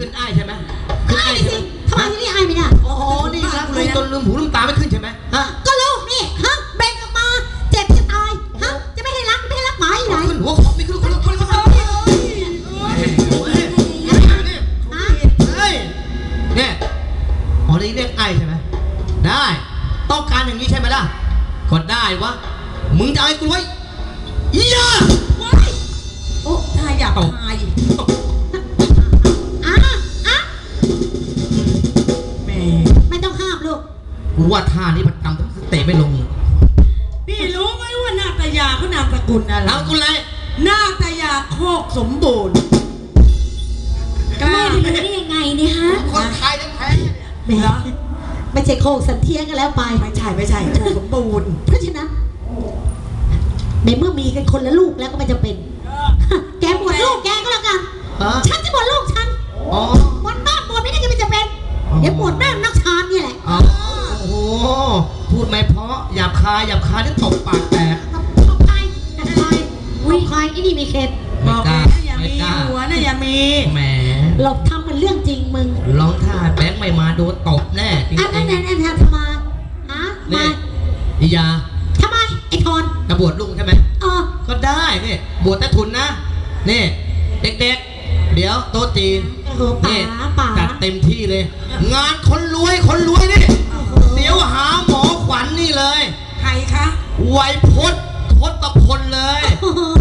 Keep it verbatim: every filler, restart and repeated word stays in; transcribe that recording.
ขึ้นไอ้ใช่ไหมขึ้นไอ้สิทำไมที่นี่ไอ้ไม่ได้โอ้โหนี่รักเลยจนลืมหูลืมตาไม่ขึ้นใช่ไหมฮะก็ลูกนี่ฮะเบ่งออกมาเจ็บจะตายฮะจะไม่ให้รักไม่ให้รักหมาไหนขึ้นหัวของไม่ขึ้นคนละคนละคนเนี่ยอ๋อนี่เรียกไอ้ใช่ไหมได้ต้องการอย่างนี้ใช่ไหมล่ะก็ได้วะมึงจะไอ้กูไว้อียาโอ้ทายอยากทายอ่ะอ่ะแม่ไม่ต้องห้ามลูกกูว่าท่านี้มันทำเตะไม่ลงพี่รู้ไหมว่านาตยาเขานามสกุลอะไรนามสกุลอะไรนาตยาโคกสมบูรณ์แม่รู้ได้ยังไงเนี่ยฮะคนไทยแท้ๆแม่ไม่ใช่โคกสันเทียกันแล้วไปไม่ใช่ไม่ใช่โคกสมบูรณ์เพราะฉะนั้นในเมื่อมีกันคนละลูกแล้วก็ไม่จำเป็นแกบวชลูกแกก็แล้วกันฉันจะบวชลูกฉันบวชบ้านบวชไม่ได้ก็ไม่จำเป็นเดี๋ยวบวชแม่นักชานนี่แหละโอ้โหพูดไม่เพราะหยาบคายหยาบคายนี่ตบปากแตกตบใครตบใครวิ่งใครไอ้นี่มีเคสบอกนะอย่ามีหัวนะอย่ามีแหมเราทำมันเรื่องจริงมึงลองท่าแบงค์ไม่มาโดนตบแน่จริงๆอันนั้นอันนั้นทำไมฮะนี่อียาทำไมไอ้ทอนจะบวชลุงใช่ไหมเออก็ได้นี่บวชแต่ทุนนะนี่เด็กๆเดี๋ยวโต๊ะจีนนี่จัดเต็มที่เลยงานคนรวยคนรวยนี่เดี๋ยวหาหมอขวัญนี่เลยใครคะไวยพจน์ทศพลเลย